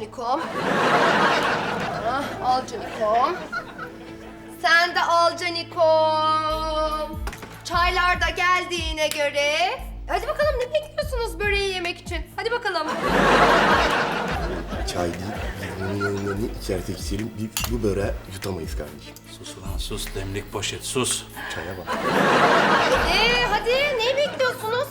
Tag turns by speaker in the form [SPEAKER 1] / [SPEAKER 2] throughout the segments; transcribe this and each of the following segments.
[SPEAKER 1] Canikom. Al Canikom. Sen de al Canikom. Çaylar da geldiğine göre. Hadi bakalım, ne bekliyorsunuz böreği yemek için? Hadi bakalım.
[SPEAKER 2] Çay değil, biz bunun yanında ne içersek içelim, biz bu böreği yutamayız kardeşim.
[SPEAKER 3] Sus ulan sus, demlik poşet sus.
[SPEAKER 2] Çaya bak.
[SPEAKER 1] Hadi neyi bekliyorsunuz?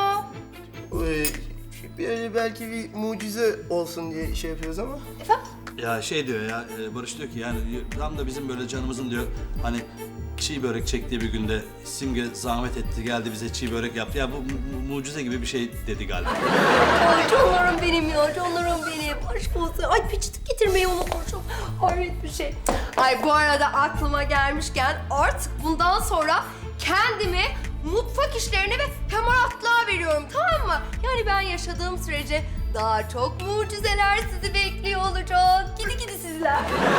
[SPEAKER 2] Böyle belki bir mucize olsun diye şey yapıyoruz ama.
[SPEAKER 1] Efendim?
[SPEAKER 3] Ya şey diyor ya, Barış diyor ki yani tam da bizim böyle canımızın diyor hani çiğ börek çektiği bir günde Simge zahmet etti geldi bize çiğ börek yaptı. Ya bu mucize gibi bir şey dedi galiba.
[SPEAKER 1] Ay canlarım benim ya, canlarım benim. Aşk olsun. Ay peçete getirmeyi unutmuşum. Hayret bir şey. Ay bu arada aklıma gelmişken artık bundan sonra kendimi mutfak işlerine ve hamaratlığa veriyorum, tamam mı? Yani ben yaşadığım sürece daha çok mucizeler sizi bekliyor olacak. Gidi gidi sizler.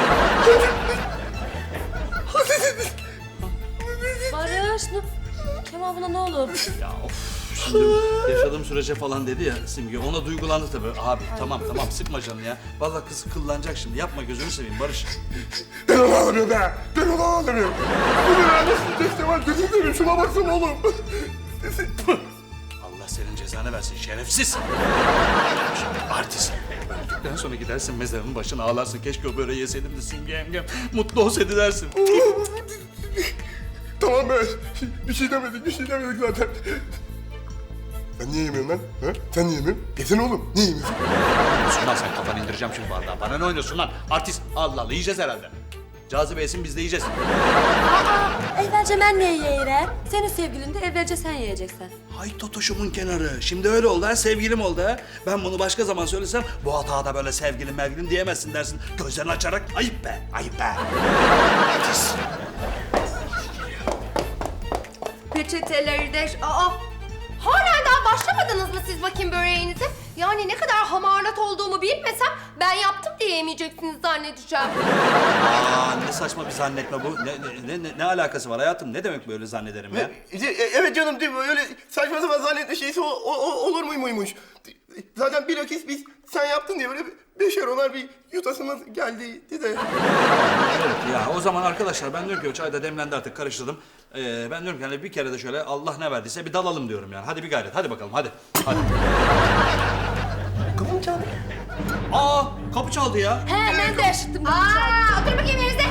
[SPEAKER 4] Barış, Kemal buna ne olur?
[SPEAKER 3] Ya of şimdi yaşadığım sürece falan dedi ya Simge ona duygulandı tabii. Abi tamam sıkma canını ya. Vallahi kız kıllanacak şimdi yapma gözünü seveyim Barış.
[SPEAKER 2] Ben onu alamıyorum be! Ben onu alamıyorum! Bu böreği nasıl yiyeceğiz Kemal? Gözünü seveyim, şuna baksana oğlum!
[SPEAKER 3] Allah senin cezanı versin şerefsiz. Artist. Öldükten sonra gidersin mezarının başına ağlarsın. Keşke o böreği yeseydim de Simge yengem mutlu olsaydı dersin.
[SPEAKER 2] Tamam be, bir şey demedik zaten. Ben niye yemiyorum lan? Ha? Sen niye yemiyorsun? Yesene oğlum, niye yemiyorsun?
[SPEAKER 3] Sunlan sen kafanı indireceğim şimdi bardağa. Bana ne oynuyorsun lan? Artist. Allah Allah yiyeceğiz herhalde. Cazibe yesin biz de yiyeceğiz.
[SPEAKER 4] Evvelce ben ne yiyeyim? Senin sevgilin de evvelce sen yiyeceksin.
[SPEAKER 3] Hay totoşumun kenarı. Şimdi öyle oldu ha, sevgilim oldu ha. Ben bunu başka zaman söylesem bu hatada böyle sevgilim diyemezsin dersin. Gözlerini açarak ayıp be, ayıp be. Artist.
[SPEAKER 1] Peçeteleri de... Halen daha başlamadınız mı siz bakayım böreğinize? Yani ne kadar hamarlat olduğumu bilmesem ben yaptım diye yemeyeceksiniz zannedeceğim.
[SPEAKER 3] Aa ne saçma bir zannetme bu. Ne alakası var hayatım? Ne demek böyle zannederim ya?
[SPEAKER 2] Evet canım, değil mi? Öyle saçma sapan zannetme şeysi olur muymuş? Zaten bilakis biz sen yaptın diye böyle beşer onar bir yutasımız geldiydi de.
[SPEAKER 3] Evet ya o zaman arkadaşlar ben diyorum ki o çay da demlendi artık karıştırdım. Ben diyorum ki hani bir kere de şöyle Allah ne verdiyse bir dalalım diyorum yani. Hadi bir gayret hadi bakalım hadi.
[SPEAKER 2] Kapı mı çaldı?
[SPEAKER 3] Aa kapı çaldı ya.
[SPEAKER 4] Hemen de yaşıttım.
[SPEAKER 1] Otur bakayım yerinize.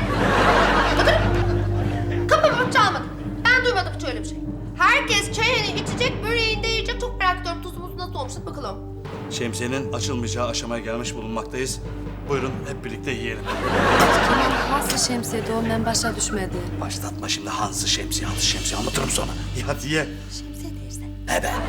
[SPEAKER 1] Otur. Kapı mı çalmadı? Ben duymadım hiç öyle bir şey. Herkes çayını içecek, böreğini de yiyecek. Çok merak ediyorum tuzumuz nasıl olmuş. Hadi bakalım.
[SPEAKER 3] Şemsiyenin açılmayacağı aşamaya gelmiş bulunmaktayız. Buyurun hep birlikte yiyelim.
[SPEAKER 4] Kemal nasıl şemsiyede o ben başa düşmedi.
[SPEAKER 3] Başlatma şimdi Hans'ı şemsiye anlatırım sonra. İyi hadi ye.
[SPEAKER 4] Şemsiye dersen.
[SPEAKER 3] Ne be?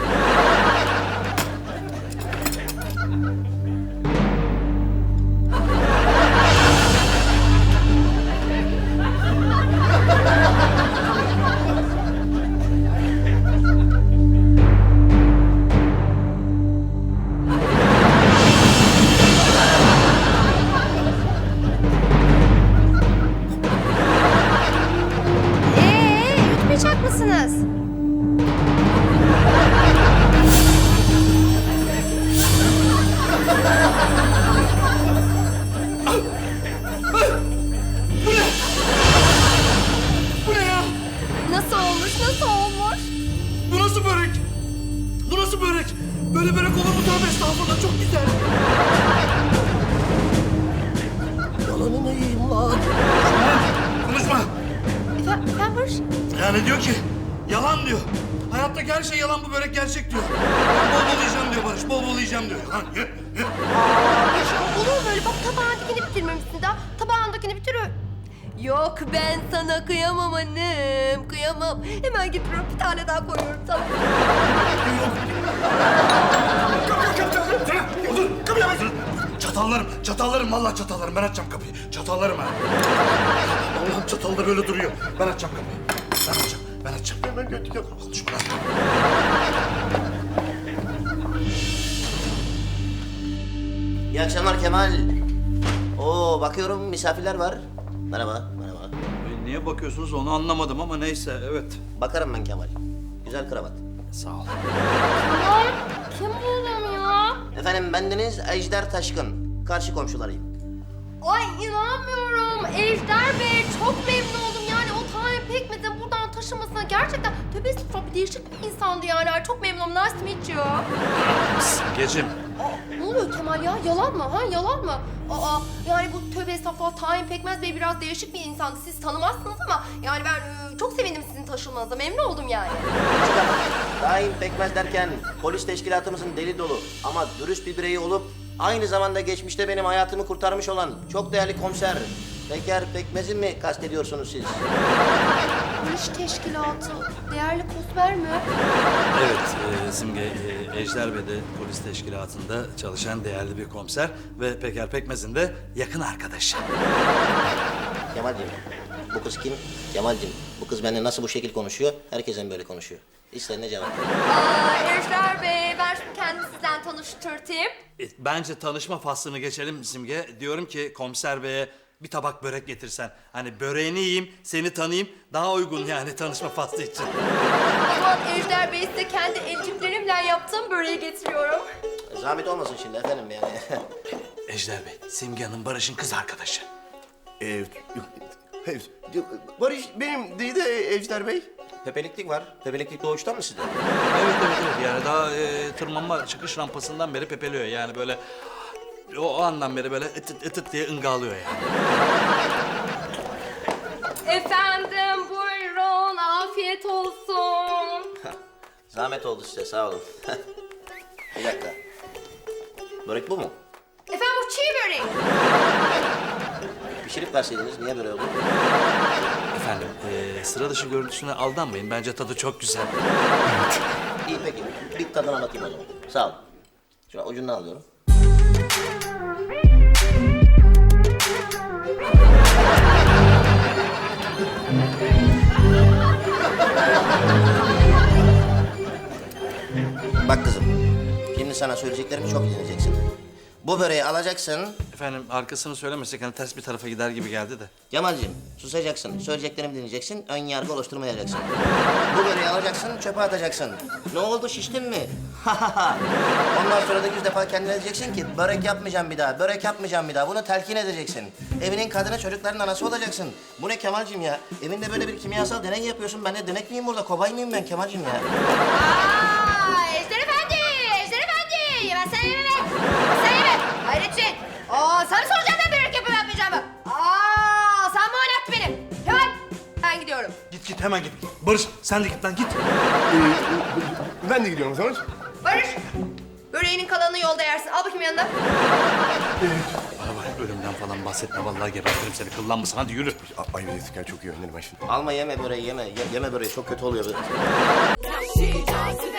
[SPEAKER 1] Yutmayacak mısınız?
[SPEAKER 3] Bu ne ya?
[SPEAKER 1] Nasıl olmuş, nasıl olmuş?
[SPEAKER 3] Bu nasıl börek? Bu nasıl börek? Böyle börek olur mu? Tövbe estağfurullah çok güzel.
[SPEAKER 2] Yalanını yiyeyim lan.
[SPEAKER 3] Konuşma.
[SPEAKER 1] Efendim Barış?
[SPEAKER 3] Yani diyor ki yalan diyor. Hayattaki her şey yalan bu börek gerçek diyor. Ben bol bol yiyeceğim diyor Barış. Bol bol yiyeceğim diyor. Ha, ye.
[SPEAKER 1] Olur mu böyle? Bak tabağındakini bitirmemişsin daha. Tabağındakini bitir. Yok ben sana kıyamam annem. Kıyamam. Hemen getiriyorum bir tane daha koyuyorum sana.
[SPEAKER 3] Çatallarım vallahi çatallarım. Ben açacağım kapıyı. Çatallarım ha. Allah'ım çatal da böyle duruyor. Ben açacağım kapıyı. Ben açacağım.
[SPEAKER 2] Hemen götüreceğim.
[SPEAKER 3] Konuşma lan.
[SPEAKER 5] İyi akşamlar Kemal. Oo bakıyorum misafirler var. Merhaba.
[SPEAKER 3] Niye bakıyorsunuz onu anlamadım ama neyse evet.
[SPEAKER 5] Bakarım ben Kemal. Güzel kravat.
[SPEAKER 3] Sağ ol.
[SPEAKER 1] Kim bu adam ya?
[SPEAKER 5] Efendim bendeniz Ejder Taşkın. karşı komşularıyım.
[SPEAKER 1] Ay inanmıyorum. Ejder Bey çok memnun oldum. Yani o tahin pekmezin buradan taşımasına gerçekten tövbe estağfurullah bir değişik bir insandı yani. Ay, çok memnunum. Nice to meet you.
[SPEAKER 3] Simgeciğim.
[SPEAKER 1] Ne oluyor Kemal ya? Yalan mı? Ha yalan mı? Aa yani bu tövbe estağfurullah tahin pekmez bey biraz değişik bir insandı. Siz tanımazsınız ama yani ben çok sevindim sizin taşınmanıza. Memnun oldum yani.
[SPEAKER 5] Daim pekmez derken polis teşkilatımızın deli dolu ama dürüst bir bireyi olup aynı zamanda geçmişte benim hayatımı kurtarmış olan çok değerli komiser Peker Pekmez'in mi kastediyorsunuz siz?
[SPEAKER 1] Polis teşkilatı. Değerli kosmer mi?
[SPEAKER 3] Evet Simge, Ejder Bey de polis teşkilatında çalışan değerli bir komiser ve Peker Pekmez'in de yakın arkadaşı.
[SPEAKER 5] Kemal'cim, bu kız kim? Kemal'cim, bu kız benimle nasıl bu şekil konuşuyor? Herkesten böyle konuşuyor. İsterine cevap.
[SPEAKER 1] Ejder Bey ben şimdi kendimi sizden tanıştırtayım.
[SPEAKER 3] Bence tanışma faslını geçelim Simge. Diyorum ki komiser beye bir tabak börek getirsen. Hani böreğini yiyeyim, seni tanıyayım. Daha uygun yani tanışma faslı için.
[SPEAKER 1] O zaman Ejder Bey size kendi elciklerimle yaptığım böreği getiriyorum.
[SPEAKER 5] Zahmet olmasın şimdi efendim yani.
[SPEAKER 3] Ejder Bey, Simge Hanım Barış'ın kız arkadaşı.
[SPEAKER 2] Evet. Barış benim değil de Ejder Bey.
[SPEAKER 5] Pepeliklik var. Pepeliklik doğuştan mı sizde?
[SPEAKER 3] Evet yani daha tırmanma çıkış rampasından beri pepeliyor yani böyle o andan beri böyle ıtıt diye ıngalıyor yani.
[SPEAKER 1] Efendim buyurun afiyet olsun.
[SPEAKER 5] Zahmet oldu size sağ olun. Bir dakika. Börek bu mu?
[SPEAKER 1] Efendim bu çiğ börek.
[SPEAKER 5] Pişirip verseydiniz niye böyle oldu?
[SPEAKER 3] Efendim sıra dışı görüntüsüne aldanmayın bence tadı çok güzel.
[SPEAKER 5] İyi peki. Bir tadına bakayım o zaman. Sağ olun. Şöyle ucundan alıyorum. Bak kızım. Şimdi sana söyleyeceklerimi çok iyi dinleyeceksin. Bu böreği alacaksın.
[SPEAKER 3] Efendim arkasını söylemesek hani ters bir tarafa gider gibi geldi de.
[SPEAKER 5] Cemal'cim susacaksın. Söyleyeceklerimi dinleyeceksin. Ön yargı oluşturmayacaksın. Bu böreği alacaksın, çöpe atacaksın. Ne oldu şiştin mi? Ondan sonra da 100 defa kendine diyeceksin ki börek yapmayacağım bir daha, börek yapmayacağım bir daha. Bunu telkin edeceksin. Evinin kadını çocukların anası olacaksın. Bu ne Kemal'cim ya? Evinde böyle bir kimyasal deney yapıyorsun. Ben de denek miyim burada? Kobay mıyım ben Kemal'cim ya?
[SPEAKER 1] Ejder Efendi! Ejder Efendi! Yemezsen yeme be! Sen yeme! Hayrettin! Sana mı soracağım ben börek yapıp yapmayacağımı? Sen mi oynattın beni? Kemal! Ben gidiyorum.
[SPEAKER 3] Git hemen git. Barış sen de git lan git.
[SPEAKER 2] Ben de gidiyorum o zaman.
[SPEAKER 1] Barış! Böreğinin kalanını yolda yersin. Al bakayım yanına.
[SPEAKER 3] Bana bak ölümden falan bahsetme vallahi gebertirim seni kıllanmasın hadi yürü.
[SPEAKER 2] Ay Mesut çok iyi önlerim ben şimdi.
[SPEAKER 5] Alma yeme böreği yeme. Yeme böreği çok kötü oluyor.
[SPEAKER 6] She does